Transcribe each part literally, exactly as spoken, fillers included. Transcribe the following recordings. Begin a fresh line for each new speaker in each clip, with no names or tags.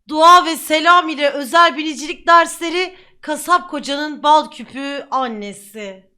Dua ve selam ile özel bilicilik dersleri, kasap kocanın bal küpü annesi.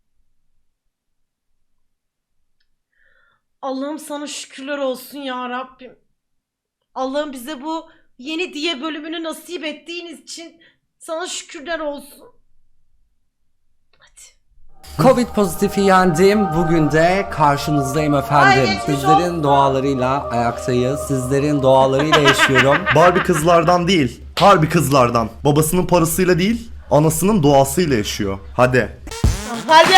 Allah'ım sana şükürler olsun ya Rabbim. Allah'ım bize bu yeni diye bölümünü nasip ettiğiniz için sana şükürler olsun. Hadi.
Covid pozitifi yendim. Bugün de karşınızdayım efendim.
Ay,
Sizlerin dualarıyla ayaktayız. Sizlerin dualarıyla yaşıyorum.
Barbie kızlardan değil, harbi kızlardan. Babasının parasıyla değil, anasının duasıyla yaşıyor. Hadi.
Hadi.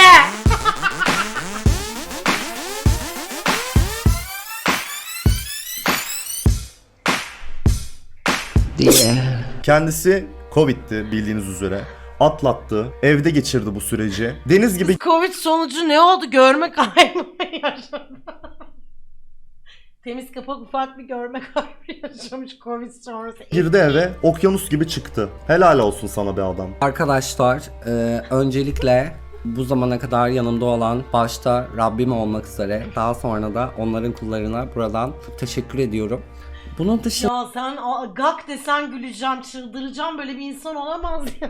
diye.
Kendisi Covid'ti bildiğiniz üzere. Atlattı, evde geçirdi bu süreci. Deniz gibi
Covid sonucu ne oldu? Görme kaybı yaşadı. Temiz kapak ufak bir görme kaybı yaşamış Covid sonrası.
girdi eve, okyanus gibi çıktı. Helal olsun sana be adam.
Arkadaşlar e, öncelikle bu zamana kadar yanımda olan başta Rabbim olmak üzere daha sonra da onların kullarına buradan teşekkür ediyorum. Bunun dışında
Ya sen a- gak desen güleceğim, çıldıracağım, böyle bir insan olamaz ya.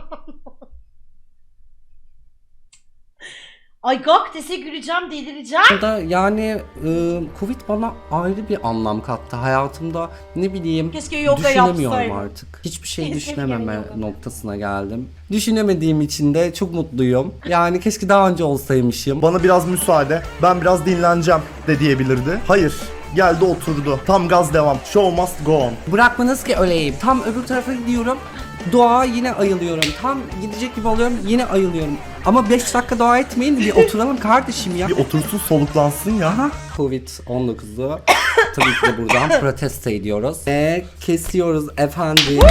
Ay gak dese güleceğim, delireceğim.
da yani e, Covid bana ayrı bir anlam kattı. Hayatımda ne bileyim
Keşke yoga
düşünemiyorum
yapsaydım.
artık. Hiçbir şey
Keşke
düşünememe
yoga.
noktasına geldim. Düşünemediğim için de çok mutluyum. Yani keşke daha önce olsaymışım.
Bana biraz müsaade, ben biraz dinleneceğim de diyebilirdi. Hayır, geldi oturdu. Tam gaz devam. Show must go on.
Bırakmanız ki öleyim. Tam öbür tarafa gidiyorum. Dua yine ayılıyorum. Tam gidecek gibi oluyorum yine ayılıyorum. Ama beş dakika dua etmeyin, bir oturalım kardeşim ya.
Bir otursun soluklansın ya.
Covid on dokuzu tabii ki de buradan protesto ediyoruz. Ve kesiyoruz efendim.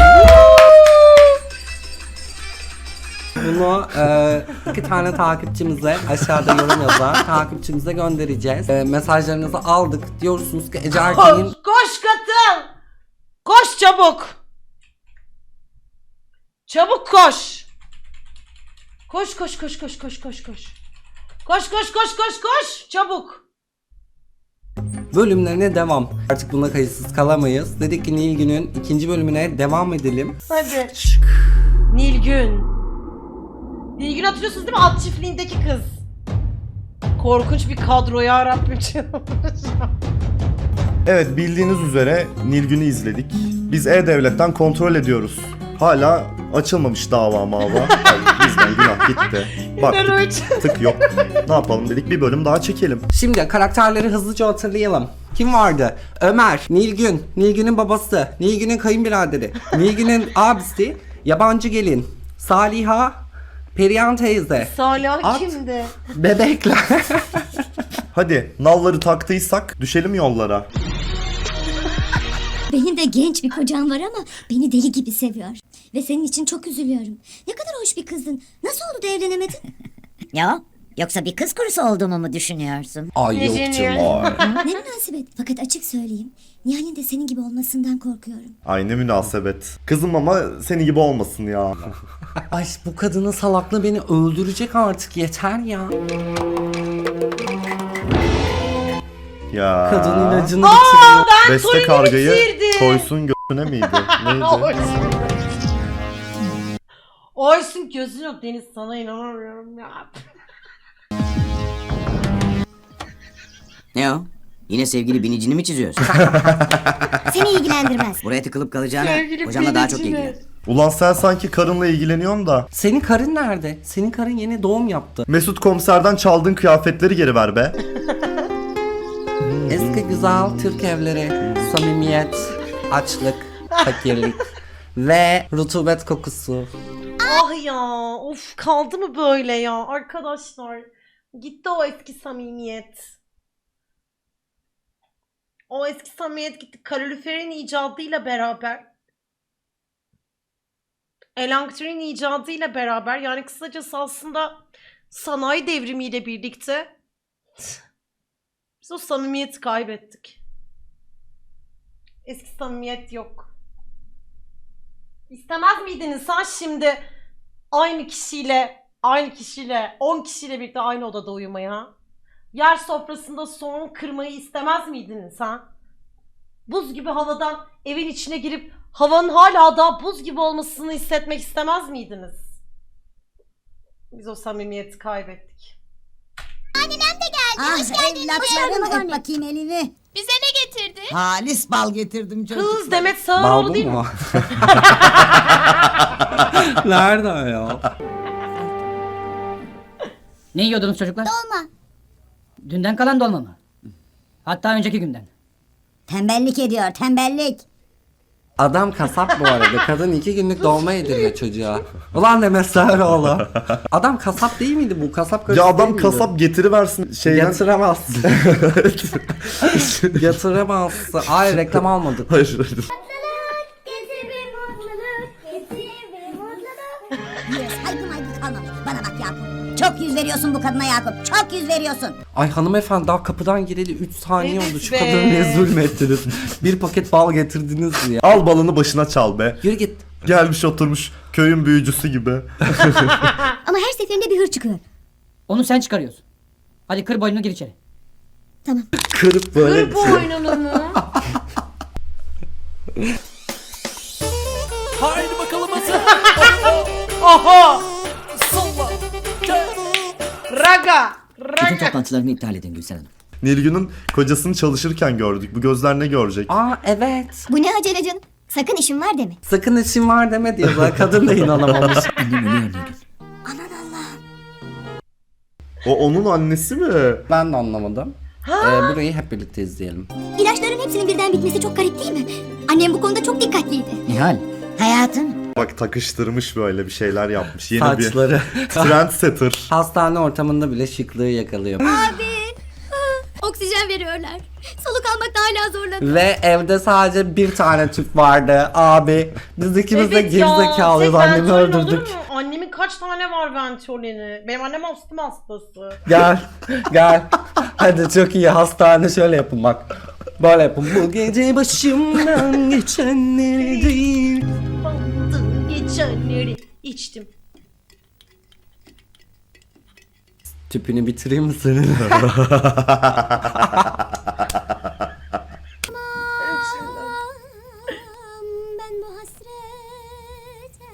Bunu e, iki tane takipçimize aşağıda yorum yazan takipçimize göndereceğiz. E, mesajlarınızı aldık. Diyorsunuz ki Ece Erken'in
Koş, koş katıl. Koş çabuk. Çabuk koş. Koş koş koş koş koş koş koş. Koş koş koş koş koş çabuk.
bölümlerine devam. Artık buna kayıtsız kalamayız. Dedik ki Nilgün'ün ikinci bölümüne devam edelim.
Hadi. Nilgün. Nilgün hatırlıyorsunuz değil mi? At çiftliğindeki kız. Korkunç bir kadro ya Rabbim.
Evet, bildiğiniz üzere Nilgün'ü izledik. Biz E-Devlet'ten kontrol ediyoruz. Hala açılmamış dava mava. Yani bizden günah gitti. Baktık, tık yok. Ne yapalım dedik, bir bölüm daha çekelim.
Şimdi karakterleri hızlıca hatırlayalım. Kim vardı? Ömer, Nilgün, Nilgün'ün babası, Nilgün'ün kayınbiraderi, Nilgün'ün abisi, yabancı gelin, Saliha, Perihan teyze,
Salih
At.
kimdi?
bebekler.
Hadi nalları taktıysak düşelim yollara.
Benim de genç bir kocam var ama beni deli gibi seviyor. Ve senin için çok üzülüyorum. Ne kadar hoş bir kızdın. Nasıl oldu da evlenemedin?
Ya yoksa bir kız kurusu olduğumu mu düşünüyorsun?
Ay yok canım.
Ne münasebet. Fakat açık söyleyeyim. Nihal'in de senin gibi olmasından korkuyorum.
Ay ne münasebet. Kızım ama seni gibi olmasın ya.
Ay bu kadının salaklığı beni öldürecek artık, yeter ya.
Ya.
Kadın ilacını bitiriyor.
Beste
Tolini
kargayı
bitirdi.
koysun göğsüne miydi? Neydi?
Oysun. Oysun gözün yok Deniz, sana inanamıyorum ya.
Ne o? Yine sevgili binicini mi çiziyorsun?
Seni ilgilendirmez.
Buraya tıkılıp kalacağına
Sevgili
hocamla daha çok
binicini.
ilgilen.
Ulan sen sanki karınla ilgileniyorsun da.
Senin karın nerede? Senin karın yeni doğum yaptı.
Mesut komiserden çaldığın kıyafetleri geri ver be.
Eski güzel Türk evleri, samimiyet, açlık, fakirlik ve rutubet kokusu.
Ah ya, of kaldı mı böyle ya arkadaşlar? Gitti o eski samimiyet. O eski samimiyet gitti. Kaloriferin icadıyla beraber. Elektriğin icadıyla beraber, yani kısacası aslında sanayi devrimiyle birlikte biz o samimiyeti kaybettik. Eski samimiyet yok. İstemez miydiniz sen şimdi aynı kişiyle, aynı kişiyle, on kişiyle birlikte aynı odada uyumayı ha? Yer sofrasında soğan kırmayı istemez miydiniz ha? Buz gibi havadan evin içine girip havanın hala daha buz gibi olmasını hissetmek istemez miydiniz? Biz o samimiyeti kaybettik.
Ah evlatlarım öp bakayım elini.
Bize ne getirdi?
Halis bal getirdim çocuklar.
Kız Demet Sağaroğlu
Bal
değil
bu
mi?
mu? Nerede ya?
Ne yiyordunuz çocuklar?
Dolma.
Dünden kalan dolma mı? Hatta önceki günden.
Tembellik ediyor tembellik.
Adam kasap bu arada. Kadın iki günlük dolma yediriyor çocuğa. Ulan Demet Sağaroğlu. Adam kasap değil miydi bu? Kasap karısı
Ya
değil
adam
miydi?
kasap getiriversin şeyden.
Yatıramazsın. Yatıramazsın. Ay reklam almadık.
Hayır hayır.
Saygı maygı kalmamış. Bana bak Yakup. Çok yüz veriyorsun bu kadına Yakup. Çok yüz veriyorsun.
Ay hanımefendi daha kapıdan gireli üç saniye
Evet
oldu. Şu
be.
kadına ne zulmettiniz. Bir paket bal getirdiniz diye.
Al balını başına çal be.
Yürü git.
Gelmiş oturmuş köyün büyücüsü gibi.
Ama her seferinde bir hır çıkıyor.
Onu sen çıkarıyorsun. Hadi kır boynunu gir içeri.
Tamam.
Kırıp böyle.
Kır bu oyununu mu?
Haydi bakalım Hasan.
Oho!
Salla.
Raga!
Bütün
Raga!
toplantılarımı iptal edin Gülsen Hanım.
Nilgün'ün kocasını çalışırken gördük. Bu gözler ne görecek?
Aa evet.
Bu ne acele canım? Sakın işin var deme.
Sakın işim var deme diyor. Bana kadın da inanamamış.
Annem ölüyor Nilgün.
O onun annesi mi?
Ben de anlamadım. Ee, burayı hep birlikte izleyelim.
İlaçların hepsinin birden bitmesi çok garip değil mi? Annem bu konuda çok dikkatliydi.
Nihal.
Hayatım.
Bak takıştırmış böyle bir şeyler yapmış. Yeni
Saçları.
bir trendsetter.
Hastane ortamında bile şıklığı yakalıyor.
Oksijen veriyorlar. Soluk almakta hala zorlanıyorum.
Ve evde sadece bir tane tüp vardı abi. Biz ikimiz de
Evet ya,
gerizekalıyız.
tek
Annemi
ventolin olur
öldürdük.
mu? Annemin kaç tane var ventolini? Benim annem astım hastası.
Gel. Gel. Hadi çok iyi hastane şöyle yapın bak. Böyle yapın. Bu gece başımdan geçenleri değil.
Aldım geçenleri içtim.
Tüpünü bitireyim mi senin?
Ben bu hasrete...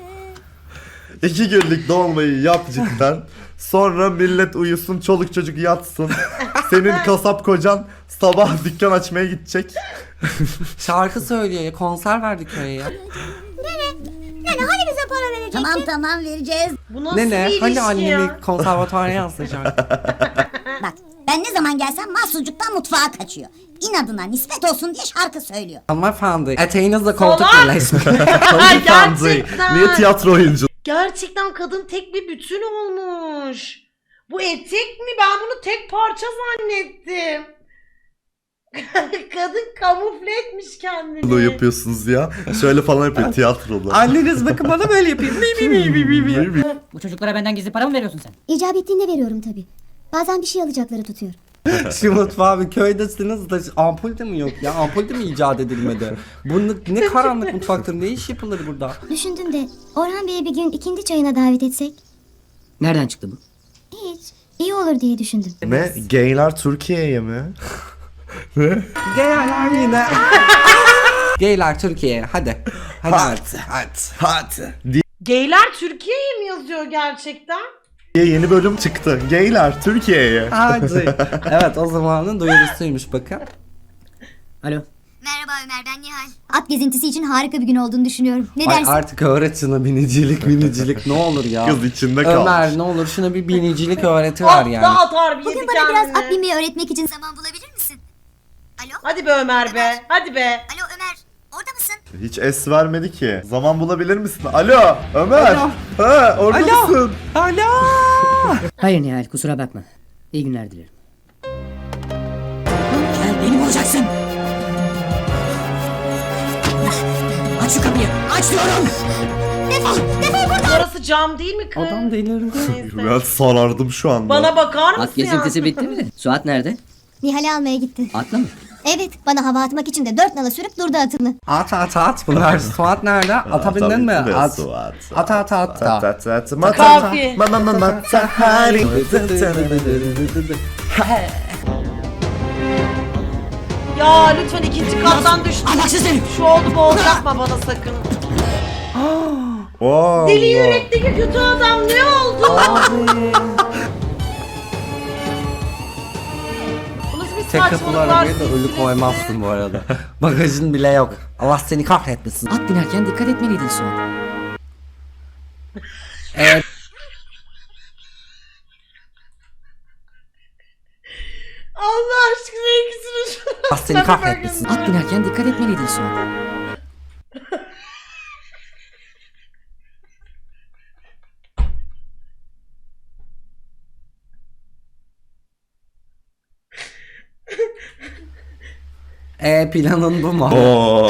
İki günlük dolmayı yap cidden. Sonra millet uyusun, çoluk çocuk yatsın. Senin kasap kocan sabah dükkan açmaya gidecek.
Şarkı söylüyor ya. Konser verdik köye ya.
Yani hani bize para verecektin?
Tamam tamam vereceğiz.
Bu nasıl
Nene
bir ilişki
hani annemi
ya?
konservatuara yazdıracak.
Bak ben ne zaman gelsem mahsucuktan mutfağa kaçıyor. İnadına nispet olsun diye şarkı söylüyor.
Hanımefendi eteğinizle koltuk
Salak!
birleşmiyor.
Hanımefendi,
Gerçekten.
niye tiyatro oyuncu?
Gerçekten kadın tek bir bütün olmuş. Bu etek mi? Ben bunu tek parça zannettim. Kadın kamufle etmiş kendini.
Ne yapıyorsunuz ya? Şöyle falan yapıyor tiyatrolu.
Anneniz bakın bana böyle yapayım. Mi mi mi mi mi mi.
Bu çocuklara benden gizli para mı veriyorsun sen?
İcap ettiğinde veriyorum tabii. Bazen bir şey alacakları tutuyor.
Şu mutfağı bir köydesiniz de ampul de mi yok ya? Ampul de mi icat edilmedi? Bu ne, ne karanlık mutfaktır? Ne iş yapılır burada?
Düşündüm de Orhan Bey'i bir gün ikindi çayına davet etsek.
Nereden çıktı bu?
Hiç. İyi olur diye düşündüm.
Ne? Gayler Türkiye'ye mi?
Geyler yine. Geyler Türkiye hadi. Hadi hadi. Hadi. Hadi.
Gayler Türkiye'ye mi yazıyor gerçekten?
Diye yeni bölüm çıktı. Gayler Türkiye'ye.
Hadi. Evet o zamanın duyurusuymuş bakın.
Alo.
Merhaba Ömer, ben Nihal. At gezintisi için harika bir gün olduğunu düşünüyorum. Ne
Ay
dersin?
artık öğret şuna binicilik binicilik ne olur ya.
Kız içinde kalmış.
Ömer ne olur şuna bir binicilik öğretiver
Atta
yani.
atar bir
Bugün
yedi
bana biraz
kendini.
at binmeyi öğretmek için zaman bulabilir misin? Alo?
Hadi be Ömer be. Hadi be.
Alo Ömer, orada mısın?
Hiç es vermedi ki. Zaman bulabilir misin? Alo Ömer.
Alo.
Ha, orada
Alo.
mısın?
Alo.
Hayır Nihal kusura bakma. İyi günler dilerim.
Gel benim olacaksın. Aç şu kapıyı. Aç diyorum.
Orası cam değil mi kız?
Adam delirdi.
Neyse.
Ben sarardım şu anda.
Bana bakar mısın
At gezintisi
ya?
bitti mi? Suat nerede?
Nihal'i almaya gitti.
Atla mı?
Evet, bana hava atmak için de dört nala sürüp durdu atını.
At at at bunlar. Suat nerede? Ata bindin mi?
tabii ki de
At.
Suat.
At at at da.
Tat tat tat. Mata
Kafi.
ma ma ma mata hari.
Ya lütfen ikinci kattan düştüm.
Ahlaksız herif.
Şu oldu bu oldu yapma bana sakın.
Oo,
Deli yürekteki kötü adam ne oldu? Bu nasıl bir
Tek kapılı
saçmalık var
arabaya da ölü
sizsiniz?
koymazsın bu arada. Bagajın bile yok. Allah seni kahretmesin.
At binerken dikkat etmeliydin Suat.
Evet.
Allah aşkına ikisini şu
Allah seni kahretmesin.
At binerken dikkat etmeliydin Suat.
E planın bu mu?
Oo.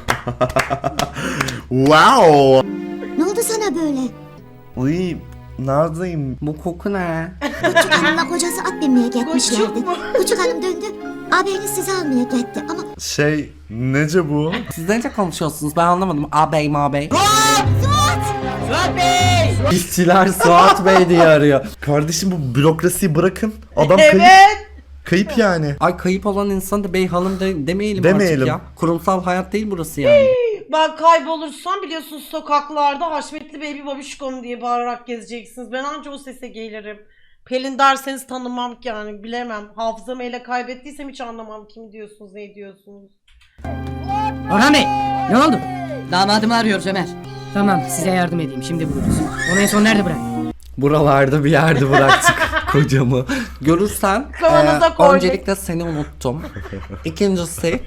Wow.
Ne oldu sana böyle?
Uy, neredeyim?
Bu koku ne?
Küçük hanımla kocası at binmeye gitmişlerdi.
Küçük mü?
Küçük hanım döndü. Ağabeyiniz sizi almaya gitti ama
Şey, nece bu?
Siz nece konuşuyorsunuz? Ben anlamadım. Ağabey mağabey.
Suat Bey!
İşçiler Suat Bey diye arıyor.
Kardeşim bu bürokrasiyi bırakın. Adam kayıp.
Evet.
Kayıp yani.
Ay kayıp olan insan da bey hanım de, demeyelim,
Demeyelim.
artık ya. Kurumsal hayat değil burası yani.
Ben kaybolursam biliyorsunuz sokaklarda Haşmetli Baby Babişkom diye bağırarak gezeceksiniz. Ben anca o sese gelirim. Pelin derseniz tanımam ki yani bilemem. Hafızamı ele kaybettiysem hiç anlamam kim diyorsunuz ne diyorsunuz.
Orhan Bey ne oldu?
Damadımı arıyoruz Ömer.
Tamam size yardım edeyim şimdi buluruz. Onu en son nerede bıraktın?
Buralarda bir yerde bıraktık kocamı. Görürsen
Kavanoza
e,
koyduk.
öncelikle seni unuttum. İkincisi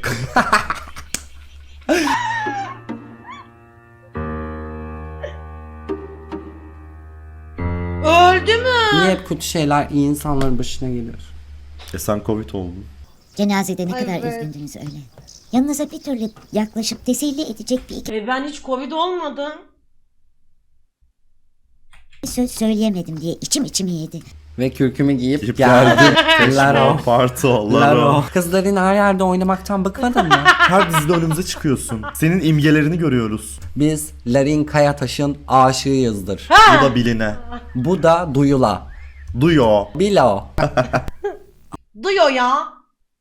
Öldü mü?
niye hep kötü şeyler iyi insanların başına geliyor?
E sen Covid oldun.
Cenazede ne
Ay
kadar
be.
üzgündünüz öyle. Yanınıza bir türlü yaklaşıp teselli edecek bir iki
E ben hiç Covid olmadım.
söz söyleyemedim diye içim içimi yedi.
Ve kürkümü giyip
Giyip
geldim.
geldim.
Laro.
Parto,
Laro.
Laro.
Kızların her yerde oynamaktan bıkmadın mı?
Her dizide önümüze çıkıyorsun. Senin imgelerini görüyoruz.
Biz Larin Kayataş'ın aşığıyızdır.
Bu da biline.
Bu da Duyula.
Duyo.
Bilo.
Duyuyor ya.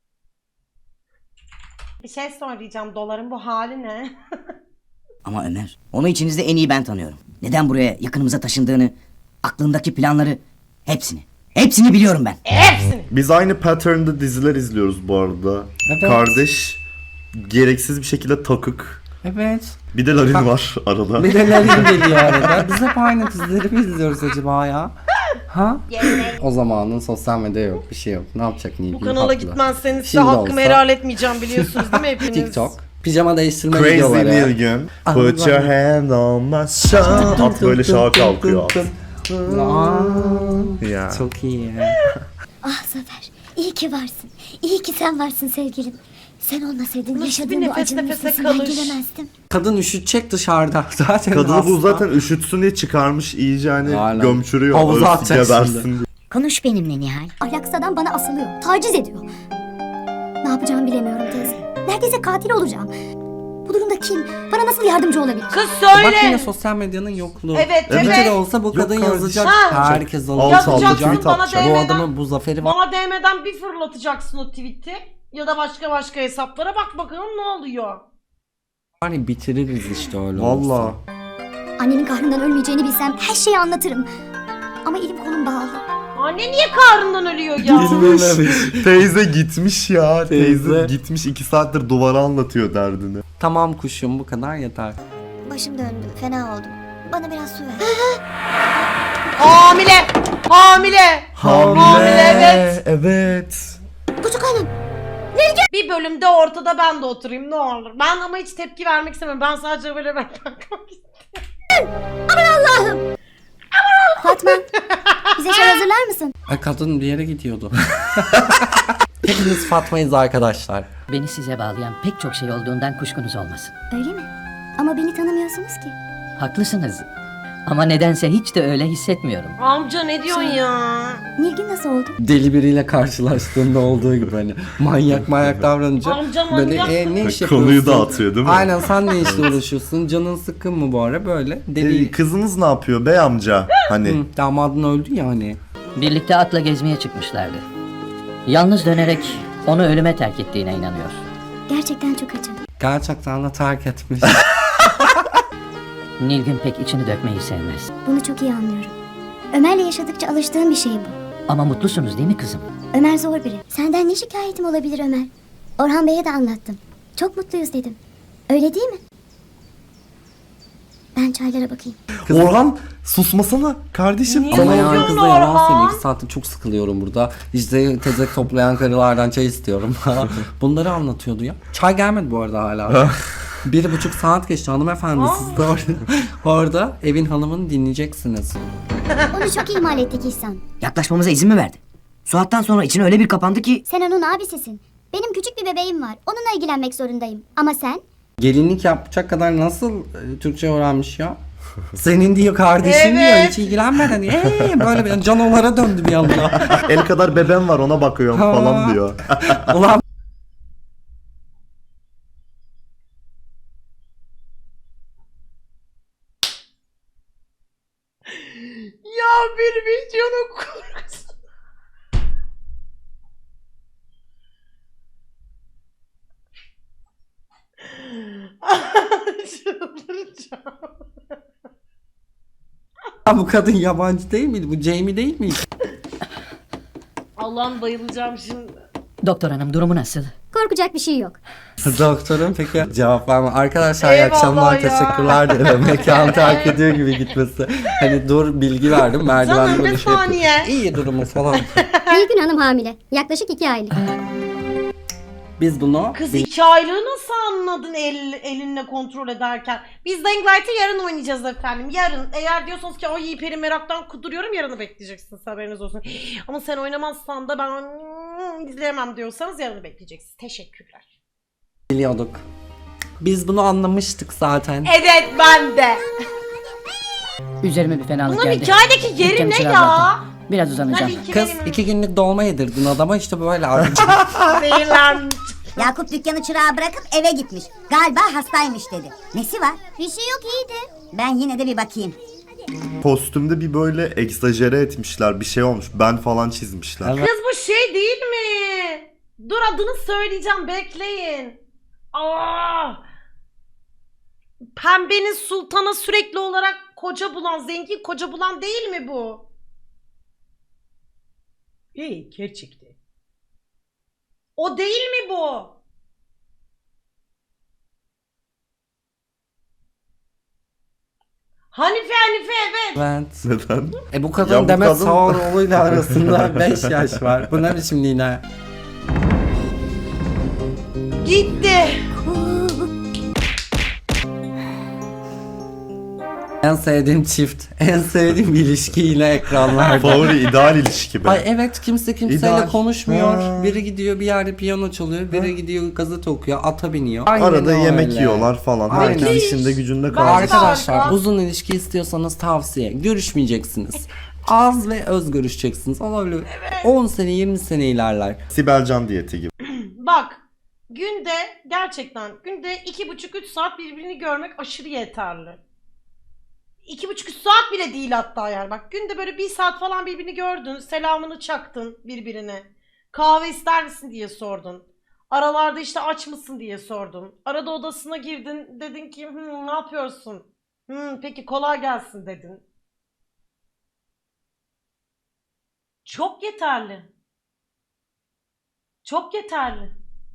Bir şey söyleyeceğim. Doların bu hali ne?
Ama Ömer, onu içinizde en iyi ben tanıyorum. Neden buraya yakınımıza taşındığını, aklındaki planları, hepsini. Hepsini biliyorum ben.
Hepsini.
Biz aynı pattern'da diziler izliyoruz bu arada.
Evet.
Kardeş gereksiz bir şekilde takık.
Evet.
Bir de Larin var arada.
Bir de Larin geliyor arada. Biz hep aynı dizileri mi izliyoruz acaba ya? Ha? O zamanın sosyal medya yok, bir şey yok. Ne yapacak Nilgün?
Bu kanala
Haklı.
gitmezseniz size
Şimdi
hakkımı
olsa-
helal etmeyeceğim biliyorsunuz değil mi hepiniz?
TikTok. Pijama değiştirme
Crazy
videoları.
Nilgün. Put your hand on my shoulder. At böyle şaha kalkıyor at.
Aa,
Ya.
çok iyi.
ah Zafer iyi ki varsın. İyi ki sen varsın sevgilim. Sen olmasaydın
Nasıl bir
yaşadığım bu
nefes
acının
nefese
üstesinden
kalış?
gelemezdim.
Kadın üşütecek dışarıda. Zaten
Kadını bu
hasta.
zaten üşütsün diye çıkarmış iyice hani
Aynen.
gömçürüyor.
Havuza
Öyle
atacak
gebersin
şimdi.
diye.
Konuş benimle Nihal.
Ahlaksız adam bana asılıyor. Taciz ediyor. Ne yapacağımı bilemiyorum teyze. Neredeyse katil olacağım. Bu durumda kim? Bana nasıl yardımcı olabilir?
Kız
Bak yine
söyle.
sosyal medyanın yokluğu.
Evet,
Bir
evet.
kere olsa bu kadın
kardeşim.
yazacak.
Ha.
Herkes
Alt
alacak.
alta
Yazacaksın
tweet
bana
atacak.
Bu
D M'den.
adamın bu zaferi var.
Bana D M'den bir fırlatacaksın o tweet'i. Ya da başka başka hesaplara bak bakalım ne oluyor.
Var ya bitiririz işte öyle olursa.
Valla.
Annemin kahrından ölmeyeceğini bilsem her şeyi anlatırım. Ama elim kolum bağlı.
Anne niye kahrından ölüyor ya?
Bilmemiş.
Teyze gitmiş ya. Teyze,
Teyze.
gitmiş iki saattir duvara anlatıyor derdini.
Tamam kuşum bu kadar yeter.
Başım döndü. Fena oldum. Bana biraz su ver.
Hamile! Hamile! Hamile, evet.
Evet.
Küçük hanım.
Bir bölümde ortada ben de oturayım ne olur. Ben ama hiç tepki vermek istemiyorum. Ben sadece böyle ben bakmak istiyorum.
Fatma. Bize çay hazırlar mısın?
Ay kadın bir yere gidiyordu. Hepimiz Fatma'yız arkadaşlar.
Beni size bağlayan pek çok şey olduğundan kuşkunuz olmasın.
Öyle mi? Ama beni tanımıyorsunuz ki.
Haklısınız. Ama nedense hiç de öyle hissetmiyorum.
Amca ne diyorsun ya?
Nilgün nasıl oldu?
Deli biriyle karşılaştığında olduğu gibi hani manyak manyak davranınca
Amca
böyle
manyak.
e, ne iş yapıyorsun?
Konuyu dağıtıyor değil mi?
Aynen sen ne işle uğraşıyorsun? Canın sıkkın mı bu ara böyle? Deli.
Ee, kızınız ne yapıyor bey amca? Hani
Hı, damadın öldü ya hani.
Birlikte atla gezmeye çıkmışlardı. Yalnız dönerek onu ölüme terk ettiğine inanıyor.
Gerçekten çok acı.
Gerçekten de terk etmiş.
Nilgün pek içini dökmeyi sevmez.
Bunu çok iyi anlıyorum. Ömer'le yaşadıkça alıştığım bir şey bu.
Ama mutlusunuz değil mi kızım?
Ömer zor biri. Senden ne şikayetim olabilir Ömer? Orhan Bey'e de anlattım. Çok mutluyuz dedim. Öyle değil mi? Ben çaylara bakayım.
Orhan susmasana kardeşim.
Niye?
Ama
Yok,
yani
yok,
kızla yalan
Orhan.
söyleyeyim. iki saattir çok sıkılıyorum burada. İşte tezek toplayan karılardan çay istiyorum. Bunları anlatıyordu ya. Çay gelmedi bu arada hala. Bir buçuk saat geçti hanımefendi. Siz de orada, orada evin hanımını dinleyeceksiniz.
Onu çok ihmal ettik İhsan.
Yaklaşmamıza izin mi verdi? Suat'tan sonra içine öyle bir kapandı ki...
Sen onun abisisin. Benim küçük bir bebeğim var. Onunla ilgilenmek zorundayım. Ama sen?
Gelinlik yapacak kadar nasıl e, Türkçe öğrenmiş ya? Senin diyor kardeşin diyor
Evet.
hiç ilgilenmeden. Ee, böyle bir canalara döndü bir anda.
El kadar bebem var ona bakıyorum
Ha.
falan diyor.
Ulan
Ya bir videonun kurgusu. Çıldıracağım.
bu kadın yabancı değil miydi? Bu Jamie değil miydi?
Allah'ım bayılacağım şimdi.
Doktor hanım durumu nasıl?
Korkacak bir şey yok.
Doktorum peki cevap verme. Arkadaşlar iyi
Eyvallah
akşamlar
ya.
teşekkürler dedim. Mekanı terk ediyor gibi gitmesi. Hani dur bilgi verdim. Merdiven
Canım,
böyle
bir
şey yapıyor.
saniye.
İyi durumu falan.
Nilgün Hanım hamile. Yaklaşık iki aylık.
Biz bunu
Kız iki aylığı nasıl anladın el, elinle kontrol ederken? Biz Dying Light'ı yarın oynayacağız efendim. Yarın. Eğer diyorsanız ki ay peri meraktan kuduruyorum yarını bekleyeceksiniz haberiniz olsun. Ama sen oynamazsan da ben hmm, izleyemem diyorsanız yarını bekleyeceksiniz. Teşekkürler.
biliyorduk. Biz bunu anlamıştık zaten.
Evet ben de.
Üzerime bir fenalık
Bunun
geldi.
hikayedeki yeri
Dükkanı
ne
çırar
ya?
zaten. Biraz uzanacağım.
Hadi iki
Kız
benim-
iki günlük dolma yedirdin adama işte böyle artık.
Zehirlenmiş.
Yakup dükkanı çırağı bırakıp eve gitmiş. Galiba hastaymış dedi. Nesi var?
Bir şey yok iyiydi.
Ben yine de bir bakayım.
Kostümde bir böyle egzajere etmişler bir şey olmuş. Ben falan çizmişler.
Evet.
Kız bu şey değil mi? Dur adını söyleyeceğim bekleyin. Aa! Pembenin sultana sürekli olarak koca bulan, zengin koca bulan değil mi bu? İyi gerçekten. O değil mi bu? Hanife Hanife evet.
Evet.
Neden?
E bu
Ya
kadın
bu
Demet
kadın-
Sağaroğlu'yla arasında beş yaş var. Bu ne biçim yine?
Gitti.
En sevdiğim çift, en sevdiğim ilişki yine ekranlarda.
Favori ideal ilişki be.
Ay evet kimse kimseyle
İdeal.
konuşmuyor.
Ha.
Biri gidiyor bir yerde piyano çalıyor, biri gidiyor gazete okuyor, ata biniyor. Aynen
Arada yemek
öyle.
yiyorlar falan.
Aynen.
Herkes işinde gücünde
Ben-
kalmış.
Arkadaşlar
Harika.
uzun ilişki istiyorsanız tavsiye. Görüşmeyeceksiniz. Az ve öz görüşeceksiniz. Ama öyle on sene yirmi sene ilerler.
Sibelcan diyeti gibi.
Bak günde gerçekten günde iki buçuk üç saat birbirini görmek aşırı yeterli. İki buçuk üç saat bile değil hatta yani. Bak günde böyle bir saat falan birbirini gördün. Selamını çaktın birbirine. Kahve ister misin diye sordun. Aralarda işte aç mısın diye sordun. Arada odasına girdin dedin ki "Hmm, ne yapıyorsun? Hmm, peki kolay gelsin dedin. Çok yeterli. Çok yeterli.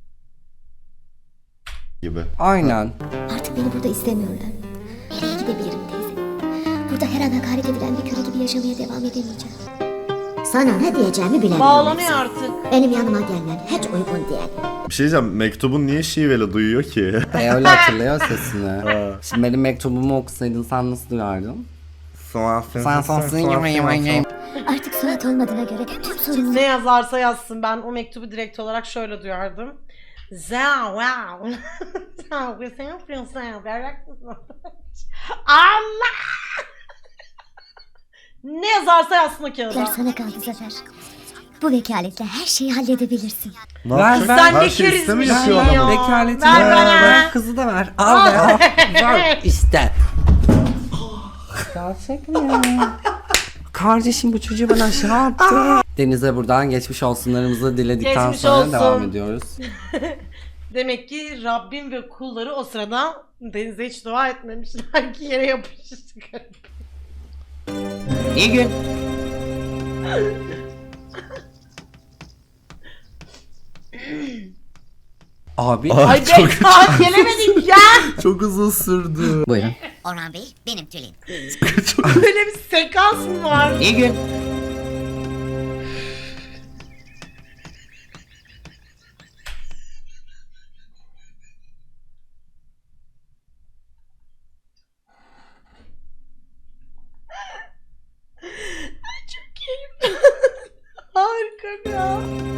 gibi.
Aynen.
Artık beni burada istemiyorlar. Nereye gidebilirim teyze? Burada her an hakaret edilen bir köle gibi yaşamaya devam edemeyeceğim.
Sana ne diyeceğimi bilemiyorum.
Bağlanıyor artık.
Benim yanıma gelmen hiç uygun değil.
Bir şey diyeceğim mektubun niye şiveli duyuyor ki?
E, öyle hatırlıyor sesini. Şimdi benim mektubumu okusaydın sen nasıl duyardın? Sen sensin yemeğim.
Artık Suat olmadığına göre tüm sorunlar...
Ne yazarsa yazsın ben o mektubu direkt olarak şöyle duyardım. Za wow. Allah. Ne yazarsa yazsın o kağıda.
sana kaldı Zafer. Bu vekaletle her şeyi halledebilirsin.
Ne
Ver,
yapacak?
ver.
Sen
Her
ne
şey iste mi
kerizmişsin
yapıyor
ya.
adam?
Vekaleti
Ver
ver,
bana.
ver, kızı da ver. Al be al. Ver işte. Gerçek mi ya? Kardeşim bu çocuğu bana aşağı attı. Deniz'e buradan geçmiş olsunlarımızı diledikten
Geçmiş
sonra
olsun.
devam ediyoruz.
Demek ki Rabbim ve kulları o sırada denize hiç dua etmemişler ki yere yapıştık.
İyi gün.
Abi.
Ay,
Ay
çok,
ben daha gelemedik ya.
çok uzun sürdü.
Buyurun.
Orhan Bey benim Tülin.
Böyle bir sekans mı var?
İyi gün.
Çok iyi. Harika ya.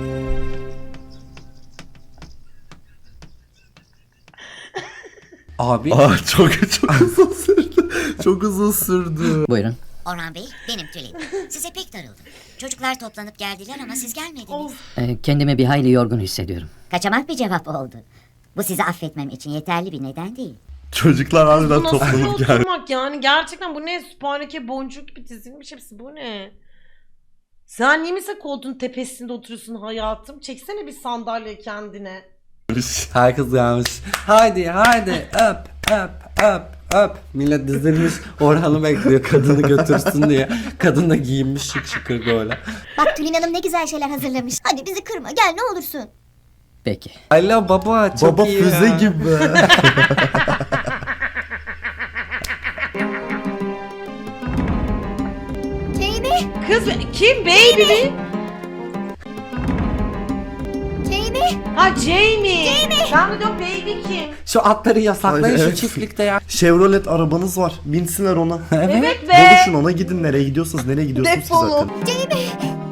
Abi.
Aa, çok çok uzun sürdü. Çok uzun sürdü.
Buyurun.
Orhan Bey benim Tülin. Size pek darıldım. Çocuklar toplanıp geldiler ama siz gelmediniz.
Of.
Ee, kendimi bir hayli yorgun hissediyorum.
Kaçamak bir cevap oldu. Bu sizi affetmem için yeterli bir neden değil.
Çocuklar harbiden
Bu nasıl bir
toplanıp geldi.
oturmak yani? Gerçekten bu ne? Sübhaneke boncuk gibi dizilmiş hepsi. Bu ne? Sen niye mesela koltuğun tepesinde oturuyorsun hayatım? Çeksene bir sandalye kendine.
Herkes gelmiş. Haydi haydi öp öp öp öp. Millet dizilmiş Orhan'ı bekliyor kadını götürsün diye. Kadın da giyinmiş şık şıkır böyle.
Bak Tülin Hanım ne güzel şeyler hazırlamış. Hadi bizi kırma gel ne olursun.
Peki.
Alo baba çok
Baba
iyi
füze
ya.
gibi.
Jamie,
Kız kim? Baby mi?
Jamie.
Ha Jamie. Jamie. Ben de diyorum baby kim?
Şu atları yasaklayın
Ay,
şu
evet.
çiftlikte ya.
Chevrolet arabanız var. Binsinler ona.
Evet be.
Buluşun ona gidin nereye gidiyorsunuz nereye gidiyorsunuz ki
Defolun.
zaten.
Jamie.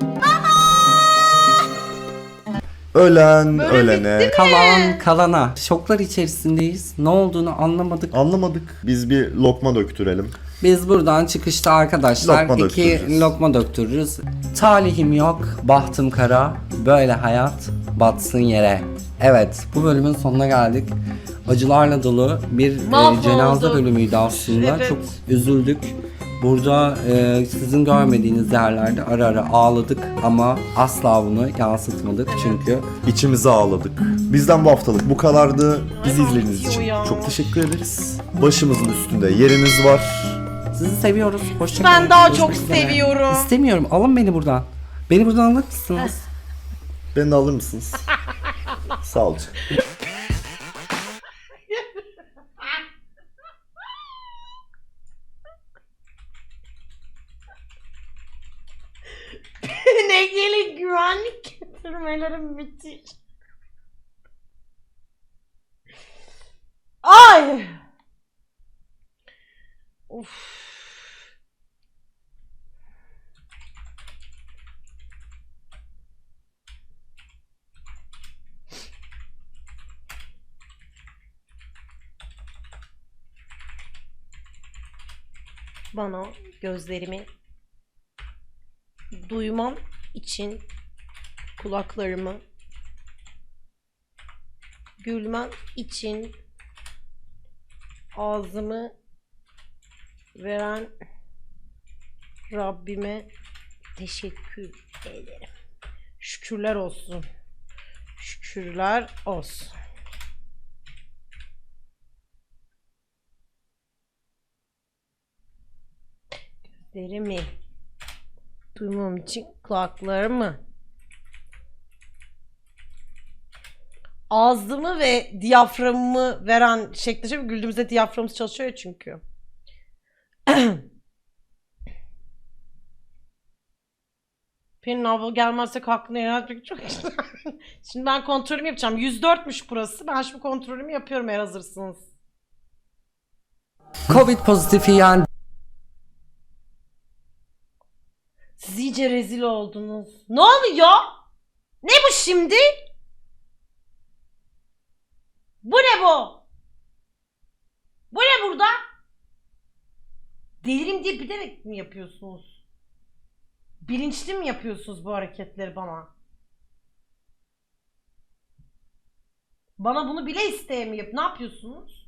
Ölen
Böyle
ölene.
bitti mi?
Kalan kalana. Şoklar içerisindeyiz. Ne olduğunu anlamadık.
Anlamadık. Biz bir lokma döktürelim.
Biz buradan çıkışta arkadaşlar
Lokma
iki
döktüreceğiz.
lokma döktürürüz. Talihim yok, bahtım kara, böyle hayat batsın yere. Evet, bu bölümün sonuna geldik. Acılarla dolu bir e,
Mahvolduk.
cenaze bölümüydü aslında.
Evet.
Çok üzüldük. Burada e, sizin görmediğiniz yerlerde ara ara ağladık ama asla bunu yansıtmadık çünkü
İçimize ağladık. Bizden bu haftalık bu kadardı. Bizi
Ay,
izlediğiniz
bitiyor
için
ya.
çok teşekkür ederiz. Başımızın üstünde yeriniz var.
sizi seviyoruz. Hoşçakalın.
Ben daha
Görüşmek
çok
üzere.
seviyorum.
İstemiyorum. Alın beni buradan. Beni buradan alır mısınız?
Beni de alır mısınız? Sağ olun.
Ne gelin güvenlik getirmelerim müthiş. Ay. Uf. Bana gözlerimi duymam için kulaklarımı, gülmem için ağzımı veren Rabbime teşekkür ederim. Şükürler olsun. Şükürler olsun. Gözlerimi duymam için kulaklarımı, ağzımı ve diyaframımı veren şekilde güldüğümüzde diyaframımız çalışıyor ya çünkü. Pelin abla gelmezsek hakkını yaratmak çok güzel. Şimdi ben kontrolümü yapacağım. yüz dörtmüş burası. Ben şimdi kontrolümü yapıyorum eğer hazırsınız.
Covid pozitifi yani.
Siz iyice rezil oldunuz. Ne oluyor? Ne bu şimdi? Bu ne bu? Bu ne burada? Delirim diye bilerek mi yapıyorsunuz? Bilinçli mi yapıyorsunuz bu hareketleri bana? Bana bunu bile isteye mi yap? Ne yapıyorsunuz?